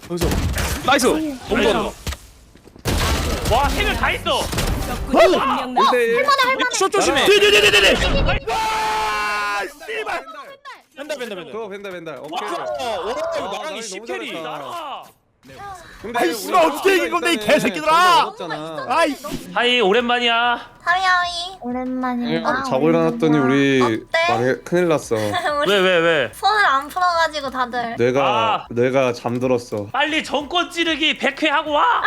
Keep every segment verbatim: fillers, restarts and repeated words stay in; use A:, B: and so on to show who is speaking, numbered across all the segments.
A: 여기서 나이스. 너무 좋아.
B: 와, 세 명 다 있어.
A: 할만해
C: 할만해.
A: 슛 조심해.
D: 네네네네네.
A: 씨발. 벤다 벤다 벤다.
E: 그거 벤다 벤다. 오케이.
A: 와, 나랑이 십
E: 너무
A: 캐리.
E: 잘했다.
B: 나라.
E: 근데
D: 아이,
E: 우리
D: 씨발, 어떻게 이긴 건데, 이
E: 일단은
D: 개새끼들아!
E: 어렵잖아.
D: 아이.
B: 하이, 오랜만이야.
C: 하이하이. 오랜만이야.
E: 자고 일어났더니 우리
C: 어때?
E: 망해 큰일 났어.
C: 우리
B: 왜, 왜, 왜?
C: 손을 안 풀어가지고 다들.
E: 뇌가
B: 아.
E: 뇌가 잠들었어.
B: 빨리 정권 찌르기 백 회 하고 와.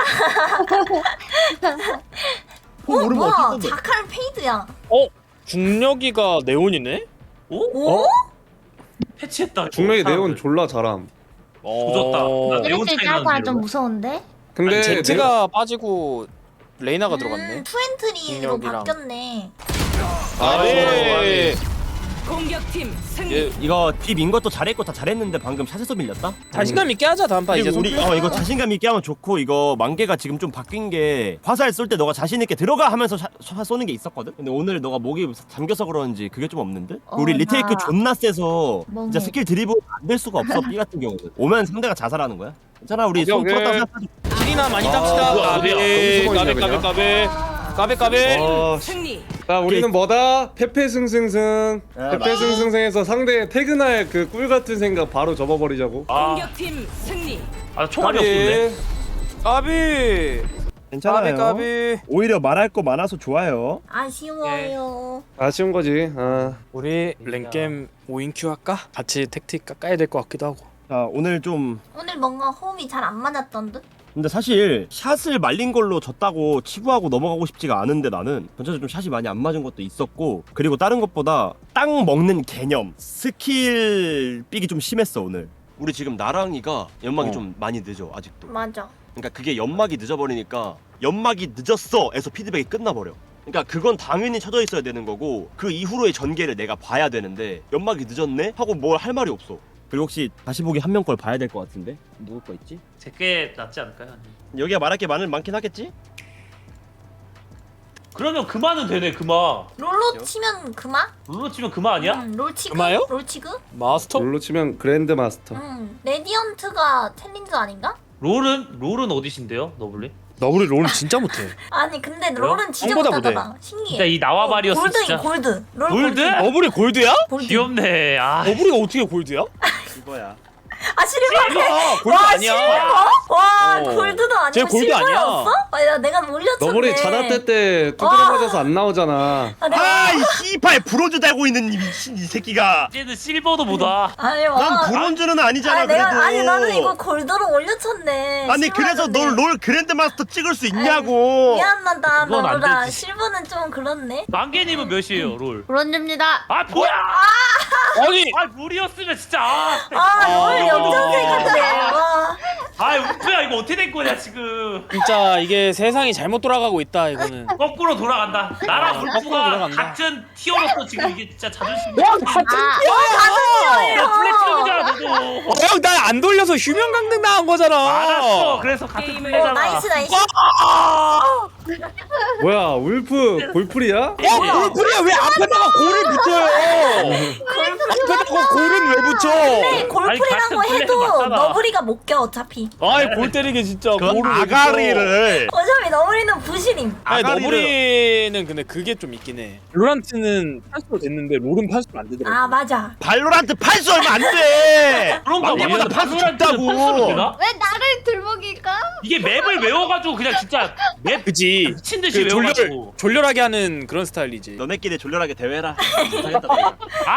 C: 어
D: 모르면
C: 뭐야?
D: 어쩔 건데.
C: 자칼 페이드야.
A: 어? 중력이가 네온이네?
B: 오?
C: 오?
B: 패치했다. 이거.
E: 중력이 네온
B: 사람들.
E: 졸라 잘함.
B: 조졌다. 나 네온
C: 이랬을 때
B: 차이
C: 하고
B: 나는데,
C: 좀 무서운데?
E: 근데
A: 아니, 제트가 빠지고 레이나가 들어갔네.
C: 음, 투엔트리로
A: 중력이랑.
C: 바뀌었네.
E: 아,
A: 예.
F: 공격팀 승리.
A: 예.
D: 이거 딥인 것도 잘했고 다 잘했는데 방금 샷에서 밀렸다.
A: 자신감 있게 하자 다음 판 이제.
D: 그리고 우리
A: 손
D: 어 이거 자신감 있게 하면 좋고 이거 만개가 지금 좀 바뀐 게 화살 쏠 때 너가 자신 있게 들어가 하면서 샷, 샷 쏘는 게 있었거든. 근데 오늘 너가 목이 잠겨서 그런지 그게 좀 없는데.
C: 어,
D: 우리 리테이크
C: 나-
D: 존나 세서
C: 멍해.
D: 진짜 스킬 드리블 안 될 수가 없어. B 같은 경우는 오면 상대가 자살하는 거야. 괜찮아 우리
A: 오케이,
D: 손
A: 오케이.
D: 풀었다고 생각하지.
A: 킬이나 많이
E: 아,
A: 땁시다.
B: 뭐야,
A: 까베
B: 어디야?
E: 너무
A: 까베
E: 수고했네,
A: 까베 까베 까베 까베.
E: 어,
F: 승리.
E: 자 우리는 뭐다? 페페승승승.
D: 아,
E: 페페승승승에서 상대 퇴근할 그 꿀 같은 생각 바로 접어버리자고.
B: 아,
F: 공격팀 승리.
B: 아 총알이 없었네.
A: 까비.
D: 괜찮아요.
A: 까비 까비.
D: 오히려 말할 거 많아서 좋아요.
C: 아쉬워요.
E: 아쉬운 거지. 아.
A: 우리 랭겜 오 인 큐 할까? 같이 택틱 깎아야 될 것 같기도 하고.
D: 자 오늘 좀
C: 오늘 뭔가 호흡이 잘 안 맞았던 듯?
D: 근데 사실 샷을 말린 걸로 졌다고 치부하고 넘어가고 싶지가 않은데 나는 전체적으로 좀 샷이 많이 안 맞은 것도 있었고 그리고 다른 것보다 땅 먹는 개념 스킬 삑이 좀 심했어 오늘. 우리 지금 나랑이가 연막이
A: 어.
D: 좀 많이 늦어 아직도.
C: 맞아.
D: 그러니까 그게 연막이 늦어버리니까 연막이 늦었어에서 피드백이 끝나버려. 그러니까 그건 당연히 쳐져 있어야 되는 거고 그 이후로의 전개를 내가 봐야 되는데 연막이 늦었네? 하고 뭘 할 말이 없어. 그리고 혹시 다시 보기 한 명 걸 봐야 될 것 같은데? 누구 거 있지?
B: 제게 낫지 않을까요?
D: 여기가 말할 게 많은, 많긴 하겠지?
B: 그러면 그만은 되네. 그만.
C: 롤로 치면 그만?
B: 룰로 치면 그만 아니야?
C: 응, 롤치그?
A: 그마요?
C: 롤치그?
A: 마스터?
E: 롤로 치면 그랜드 마스터.
C: 응. 레디언트가 챌린저 아닌가?
B: 롤은 롤은 어디신데요, 너블리?
A: 너블이 롤 진짜 못해.
C: 아니 근데
B: 그래요?
C: 롤은 진짜
A: 형보다
C: 못하잖아. 신기해.
B: 진짜 이 나와바리였어
C: 골드
B: 진짜.
C: 골드. 롤
B: 골드?
A: 너블이 골드야?
C: 골드.
B: 귀엽네. 아,
A: 너블이가 어떻게 골드야?
D: 이거야.
C: 아 실버.
A: 아, 골드 아니야.
C: 와
A: 어.
C: 골드도 아니고
A: 쟤 골드
C: 실버였어?
A: 아니야.
C: 아, 야, 내가 몰렸었네.
E: 너블이 자나때 때 두드려
C: 와.
E: 맞아서 안 나오잖아.
C: 아, 내가
D: 아, 이 씨발 브론즈 달고 있는 이 미친 이 새끼가.
B: 이제는 실버도 못와.
C: 아니 와.
D: 난 브론즈는 아니잖아
C: 아니, 내가
D: 그래도.
C: 아니 나는 이거 골드로 올려쳤네.
D: 아니 그래서
C: 실버였는데.
D: 널 롤 그랜드 마스터 찍을 수 있냐고.
C: 미안하다
B: 그건 안
C: 너라.
B: 되지.
C: 실버는 좀 그렇네.
B: 만개님은 몇이에요, 롤?
C: 브론즈입니다.
B: 아 뭐야?
A: 아니
B: 아 물이었으면 진짜. 아,
C: 아롤
A: 어.
C: 역전생 같네. 와.
B: 아 우프야 이거 어떻게 된 거냐 지금?
A: 진짜 이게 세상이 잘못 돌아가고 있다 이거는.
B: 거꾸로 돌아간다. 나랑
A: 어, 거꾸로
B: 울프가
A: 돌아간다.
B: 같은 티어로서 지금 이게 진짜 자존심.
A: 와 같은
B: 야 플래티넘이잖아 너도.
A: 형 나 안 돌려서 휴면 강등 당한 거잖아.
B: 알았어. 그래서 같은
F: 게임을-
C: 어,
B: 플레이잖아.
C: 나이스 나이스.
E: 뭐야 울프 골프리야?
A: 어? 골프리야 왜 앞에다가 골을 붙여요? 앞에다가 골은 왜 붙여?
C: 근데 골프리라고
B: 아니, 같은
C: 해도
B: 플레이 맞잖아.
C: 너브리가 못 껴 어차피.
A: 아이 골 때리게 진짜
D: 그
A: 골을 왜 붙여?
D: 아가리를.
C: 어차피 너브리는 부실임.
A: 아니
D: 아가리를-
A: 너브리는 근데 그게 좀 있긴 해. 롤란트는 팔수로 됐는데 롤은 팔수로 안 되더라고.
C: 아 맞아.
D: 발로란트 팔수 얼마 안 돼.
B: 그런가
D: 만개보다
B: 봐.
D: 팔수
B: 발로란트는
D: 적다고.
B: 팔수로 되나?
C: 왜 나를 들먹일까?
B: 이게 맵을 외워가지고 그냥 진짜 맵
A: 그지.
B: 미친 듯이
A: 그 졸렬
B: 외워가지고.
A: 졸렬하게 하는 그런 스타일이지.
D: 너네끼리 졸렬하게 대회라. 못하겠다, 너희가.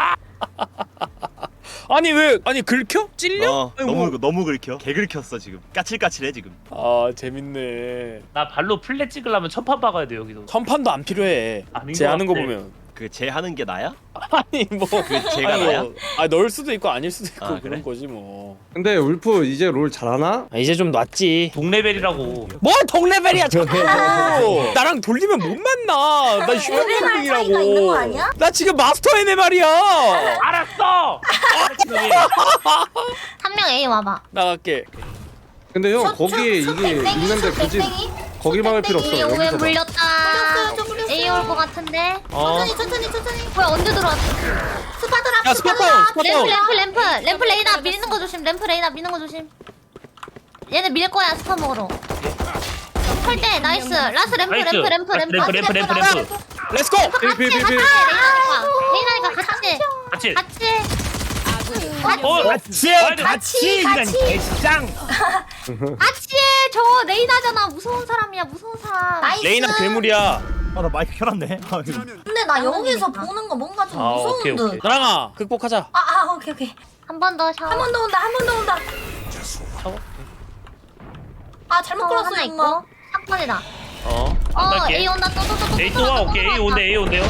A: 아니 왜 아니 긁혀? 찔려?
D: 어,
A: 아니,
D: 너무
A: 뭐.
D: 너무 긁혀. 개 긁혔어 지금. 까칠까칠해 지금.
A: 아 재밌네.
B: 나 발로 플랫 찍으려면 천판 박아야 돼 여기도.
A: 선판도 안 필요해.
B: 아닌
A: 쟤
B: 것
A: 하는 거
B: 같아.
A: 보면.
D: 그 쟤 하는 게 나야?
A: 아니 뭐
D: 그 쟤가
A: 아니,
D: 나야?
A: 뭐, 아 넣을 수도 있고 아닐 수도 있고
D: 아,
A: 그런
D: 그래?
A: 거지 뭐.
E: 근데 울프 이제 롤 잘하나?
A: 아, 이제 좀 놨지.
B: 동레벨이라고.
A: 뭐 동레벨이야 자꾸. 나랑 돌리면 못 만나. 나 휴면
C: 레벨 차이가 있는 거
A: 강등이라고.
C: 아니야?
A: 나 지금 마스터 에네 말이야.
B: 알았어.
C: 한 명 A 와봐.
A: 나갈게.
E: 근데 형
C: 슛,
E: 거기에
C: 슛, 슛
E: 이게
C: 땡땡이,
E: 있는데
C: 슛
E: 굳이
C: 땡땡이.
E: 거기 막을 필요 없어.
C: 땡땡이.
E: 여기서 봐.
C: 물렸다. A 올 것 같은데.
B: 어.
C: 천천히 천천히 천천히. 뭐야 언제 들어왔어? 스파드랍
A: 야 스팟다운 스팟다운.
C: 램프 램프 램프 레이나 미는 거 조심. 램프 레이나 미는 거 조심. 얘네 밀 거야 스파 먹으러. 설대 나이스. 라스 램프
B: 나이스.
C: 램프 램프 램프
B: 램프, 램프, 램프, 램프.
A: 렛츠고.
C: 같이
E: 피, 피, 피,
C: 같이
E: 피.
C: 레이나니까 레이나니까 같이
B: 같이.
C: 같이
F: 아군이
B: 어,
A: 같이
B: 같이,
A: 같이 이란
C: 같이.
A: 개짱.
C: 같이 해. 저 레이나잖아. 무서운 사람이야 무서운 사람. 나이스.
A: 레이나 괴물이야.
G: 아나 마이크 켜놨네. 아, 이거.
H: 근데 나 여기서 보는 거 뭔가 좀
B: 아,
H: 무서운
B: 오케이,
H: 듯.
B: 오케이.
A: 나랑아 극복하자.
H: 아, 아, 오케이, 오케이.
C: 한 번 더 샤워.
H: 한 번 더 온다, 한 번 더 온다.
B: 샤워?
H: 아, 잘못
C: 샤워
H: 끌었어,
C: 하나
H: 엄마.
C: 있고. 사건이다.
B: 어. 안
C: 어
B: 갈게.
C: A 온다 또또또또.
B: A 또 와. 오케이. A 온대. A 온대요.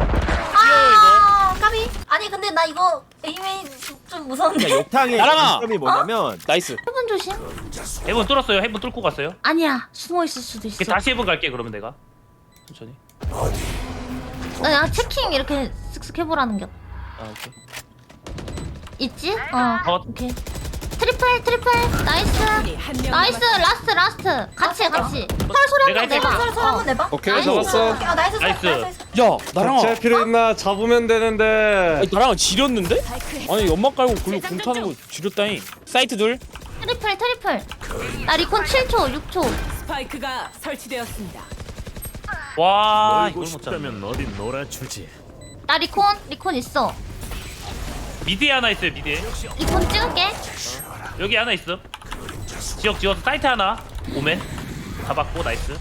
H: 아, 까비. 아니, 근데 나 이거 에이메인 좀 무서운데.
D: 그러니까 욕탕의
A: 나랑아.
D: 장점이 뭐냐면
A: 나이스.
C: 해본 조심.
B: 해본 뚫었어요. 해본 뚫고 갔어요.
C: 아니야 숨어 있을 수도 있어.
B: 다시 해본 갈게. 그러면 내가 천천히.
C: 야 체킹 이렇게 쓱쓱 해보라는 게
B: 아 오케이.
C: 있지? 어.
B: 어.
C: 오케이. 트리플 트리플 나이스.
F: 한명
C: 나이스 라스트 라스트. 같이 같이. 털 소리
B: 내가
C: 한번
B: 할게.
C: 내봐.
H: 설, 설 한번 내봐.
E: 오케이
C: 나이스.
E: 잡았어.
H: 아, 나이스, 설,
B: 나이스.
H: 나이스. 나이스.
A: 야 나랑아.
E: 같이 할 필요 있나? 잡으면 되는데.
A: 아니, 나랑은 지렸는데? 아니 연막 깔고 글로 공 타는 거 지렸다니. 사이트 둘.
C: 트리플 트리플. 나 리콘 칠 초 육 초.
F: 스파이크가 설치되었습니다.
B: 와 이걸 못 잡네.
G: 어디 놀아주지.
C: 나 리콘 리콘 있어.
B: 미드에 하나 있어요. 미드에.
C: 리콘 찍을게.
B: 여기 하나 있어. 지역 지워서 사이트 하나. 오멘. 잡았고 나이스.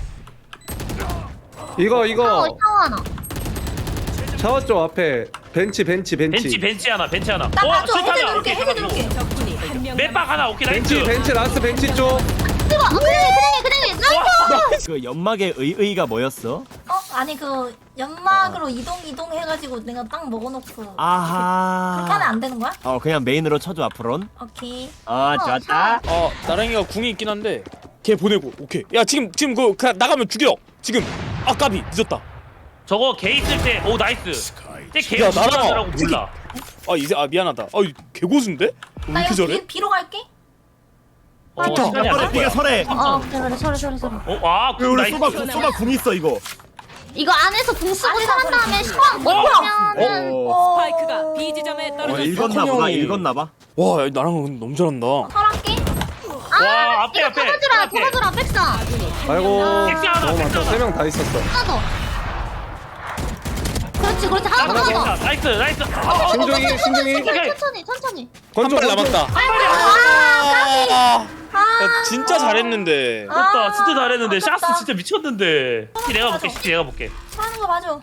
E: 이거
C: 샤워
E: 이거
C: 샤워 하나.
E: 샤워 쪽 앞에 벤치 벤치 벤치.
B: 벤치 벤치 하나. 벤치 하나.
H: 나
B: 어,
H: 봐줘,
B: 술탄이야.
H: 해제 누를게,
B: 오케이,
H: 해제
B: 잡았고.
H: 누를게.
F: 적군이 한명
B: 맷박 하나. 오케이 나이스.
E: 벤치 벤치 라스트 벤치 쪽.
C: 뜨거. 어, 그래 그래 그래. 나이스.
D: 그 연막의 의의가 뭐였어?
H: 어, 아니, 그, 연막으로 이동, 이동 해가지고 내가 딱 먹어놓고.
D: 아하.
H: 그렇게 하면 안 되는 거야?
D: 어 그냥 메인으로 쳐줘 앞으론.
H: 오케이.
D: 아 좋았다.
A: 어 나랑이가 궁이 있긴 한데 걔 보내고 오케이. 야 지금 지금 그 그냥 나가면 죽여. 지금 아 까비 늦었다.
B: 저거 개 있을 때. 오 나이스. 쟤개
A: 야,
B: 무슨
A: 나랑-
B: 하더라고 몰라.
A: 아 이제 아 미안하다. 아 개고수인데? 왜
H: 나
A: 이렇게
H: 이거
A: 잘해?
H: 비, 비로 갈게.
B: 어
A: 좋다.
B: 시간이 안 될 거야.
G: 네가 설해.
C: 어 그래 그래 소리 소리 소리.
B: 어, 와, 그
G: 우리
B: 나이스.
G: 소바 소바 궁 있어 이거.
C: 이거 안에서 궁 쓰고
H: 안에서
C: 살한 다음에
H: 궁
C: 시간 못 보면은
D: 어.
F: 스파이크가 B 지점에
D: 어
F: 떨어졌습니다.
D: 읽었나 보다.
A: 형이-
D: 읽었나 봐.
A: 와 야, 나랑은 너무 잘한다.
H: 설할게.
B: 와, 앞에,
C: 이거
B: 앞에.
C: 돌아주라
B: 앞에.
C: 돌아주라 백사.
E: 아이고
B: 섹시 하나,
E: 너무
B: 섹시
E: 많다.
B: 하나.
E: 세 명 다 있었어.
C: 하나 더. 그렇지 그렇지 하나 더 하나 더.
B: 나이스, 나이스. 어,
E: 신중히 신중히.
B: 오케이.
C: 천천히 천천히.
A: 한
E: 건조
A: 발 남았다. 아, 야, 진짜 잘했는데.
B: 맞다, 진짜 잘했는데.
H: 아깝다.
B: 샤스 진짜 미쳤는데. 시티 내가 볼게, 시티 내가 볼게.
H: 하는 거 맞아.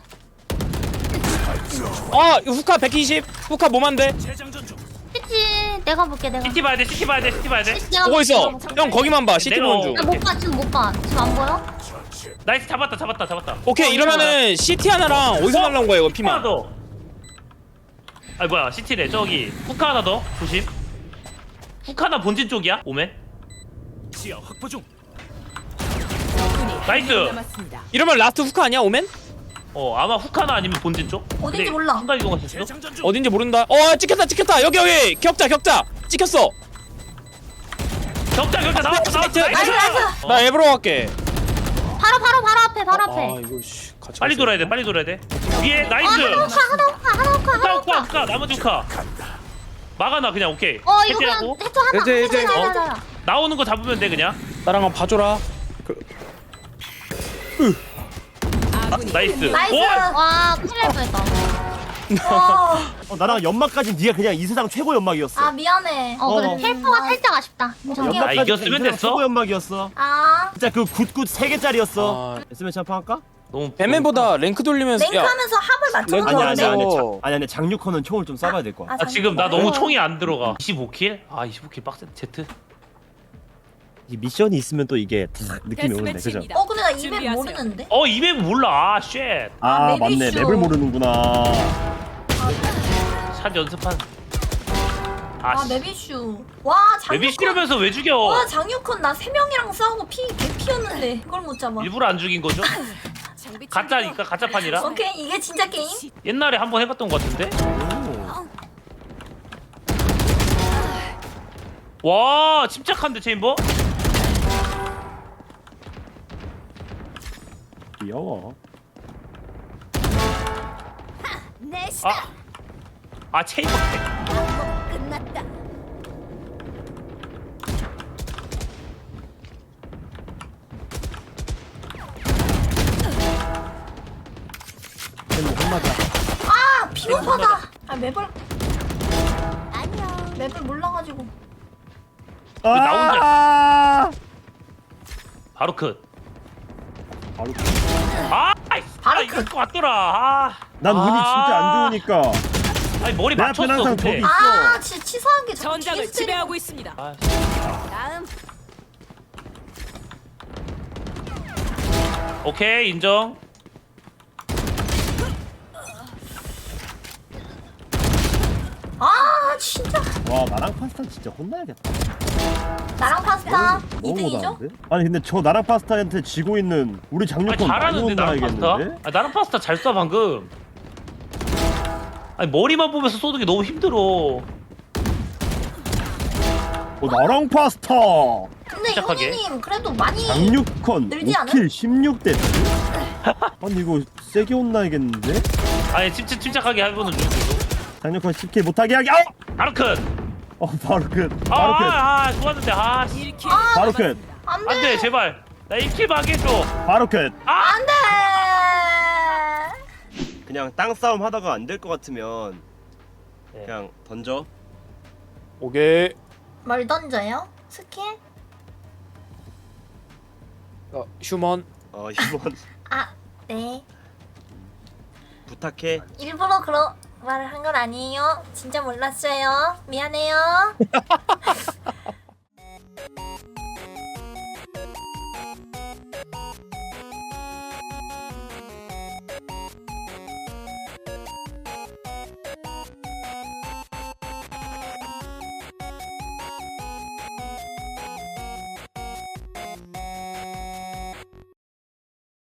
A: 아 이거 후카 백이십. 후카 뭐만데?
C: 그치 내가 볼게 내가.
B: 시티 봐야 돼, 시티 봐야 돼, 시티 봐야 돼.
C: 내가
A: 보고 있어.
C: 볼게.
A: 형 거기만 봐. 시티
B: 내가
A: 보는 중.
B: 어-
C: 못 봐 지금 못 봐. 지금 안 보여?
B: 나이스, 잡았다, 잡았다, 잡았다.
A: 오케이 이러면은 시티 하나랑 어디서
B: 어?
A: 날라온 거야 이거
B: 하나
A: 피만.
B: 더. 아니 뭐야, 시티래. 저기 후카 하나 더. 조심. 후카 하나 본진 쪽이야. 오멘.
G: 지하 확보 중.
F: 적군이
B: 나이스.
F: 한명 남았습니다.
A: 이러면 라스트 후카 아니야 오멘?
B: 어, 아마 후카 하나 아니면 본진 쪽.
H: 어딘지
B: 근데
H: 몰라.
B: 순간 이동할 수 있어?
G: 재장전 중.
A: 어딘지 모른다. 어 찍혔다 찍혔다. 여기 여기 격자 격자 찍혔어.
B: 격자, 격자 나왔다, 나왔다.
A: 나이스,
B: 나이스.
H: 나이스.
B: 어.
A: 나 앱으로 갈게.
C: 바로 바로 바로 앞에 바로
A: 아
C: 앞에.
A: 이거 씨 같이
B: 빨리
A: 갔어야
B: 돌아야 돼,
A: 되나?
B: 빨리 돌아야 돼. 위에
C: 아
B: 나이스.
C: 하나 오카 하나 오카 하나 오카
B: 후카,
C: 하나
B: 후카,
C: 오카.
B: 후카. 나머지 후카. 막아놔 그냥. 오케이.
C: 어 이거
B: 해제하고.
C: 그냥 해줘 하나.
E: 해제, 해제.
C: 해줘,
B: 어?
C: 해줘, 해줘.
B: 나오는 거 잡으면 돼 그냥.
A: 나랑 봐줘라.
F: 아군이
B: 나이스.
H: 나이스.
B: 오!
C: 와 큰일 날 뻔했다.
H: 어,
D: 어 나랑 연막까지 네가 그냥 이 세상 최고 연막이었어.
H: 아, 미안해.
C: 어
D: 어.
C: 근데 텔포가 살짝 아쉽다. 괜찮아.
H: 연막-
B: 아,
D: 연막까지
B: 이겼으면
D: 이 세상
B: 됐어?
D: 최고 연막이었어.
H: 아,
D: 진짜 그 굿굿 세 개짜리였어.
A: 아,
D: 에스엠 샴푸 할까?
B: 너무
A: 뱀맨보다 랭크 돌리면서
H: 랭크 하면서 합을 맞추는
A: 랭크
D: 아니 아니
H: 건데.
D: 아니
A: 어.
D: 자- 아니 아니 장유커는 총을 좀 쏴봐야 될 거야.
H: 아,
B: 아 지금 나
H: 잠깐만.
B: 너무 총이 안 들어가. 이십오 킬? 아 이십오 킬 빡센. 제트.
D: 이 미션이 있으면 또 이게 탁 느낌이 오는데 그죠?
F: 데스매치입니다.
H: 어, 근데 나 이맵
F: 준비하세요.
H: 모르는데?
B: 어 이맵 몰라. 아 쉣.
H: 아, 맞네. 맵을
D: 모르는구나.
B: 샷 연습한.
H: 아,
B: 아 씨.
H: 메비슈. 와, 장유콘.
B: 맵이 싫으면서 왜 죽여?
H: 와, 장유콘 나 세 명이랑 싸우고 피 개피였는데 그걸 못 잡아.
B: 일부러 안 죽인 거죠? 가짜니까 가짜판이라.
H: 오케이, 이게 진짜 게임?
B: 옛날에 한 번 해봤던 것 같은데. 와 침착한데 체인버?
D: 귀여워.
B: 아, 아 체인버.
H: 맵을 아니야 맵을 몰라가지고.
B: 나 혼자-
G: 아
B: 바로 컷.
D: 바로
B: 아, 아이,
H: 바로
B: 아, 이럴 것 같더라. 아,
G: 난 운이 진짜 안 좋으니까
B: 아니 머리
G: 내
B: 맞췄어.
G: 앞엔 항상
B: 근데.
G: 저기
H: 아 진짜 치사한 게 자꾸
F: 전장을
H: 뒤에서
F: 지배하고 있습니다.
B: 아,
F: 다음
B: 오케이 인정.
H: 아 진짜
G: 와 나랑 파스타 진짜 혼나야겠다.
H: 나랑 파스타
G: 너무
H: 이 등이죠?
G: 못하는데? 아니 근데 저 나랑 파스타한테 지고 있는 우리
B: 아니
G: 장료권 많이
B: 잘하는데 나랑 파스타?
G: 혼나야겠는데?
B: 아 나랑 파스타 잘 쏴 방금. 아니 머리만 보면서 쏘는 게 너무 힘들어.
G: 어 나랑 파스타
H: 근데
B: 시작하게.
H: 형님 그래도 많이
G: 장육컨
H: 늘지 않아?
G: 오 킬 십육 대 아니 이거 세게 혼나야겠는데?
B: 아니 침착 침착하게 해보는 중.
G: 장육컨 십 킬 못하게 하기 아!
B: 바로 컷.
G: 어 바로 끝
B: 아,
G: 바로 끝
B: 아, 아 좋았는데 아. 씨.
F: 일 킬
G: 바로 끝
F: 남았습니다.
H: 안돼
B: 안돼 제발. 나 일 킬 하게 해줘.
G: 바로 끝
H: 안돼
D: 그냥 땅 싸움 하다가 안 될 것 같으면
B: 네.
D: 그냥 던져.
A: 오케이.
H: 뭘 던져요? 스킬?
A: 어, 휴먼.
D: 어 이번
H: 아네
D: 부탁해.
H: 일부러 그런 말을 한 건 아니에요 진짜 몰랐어요 미안해요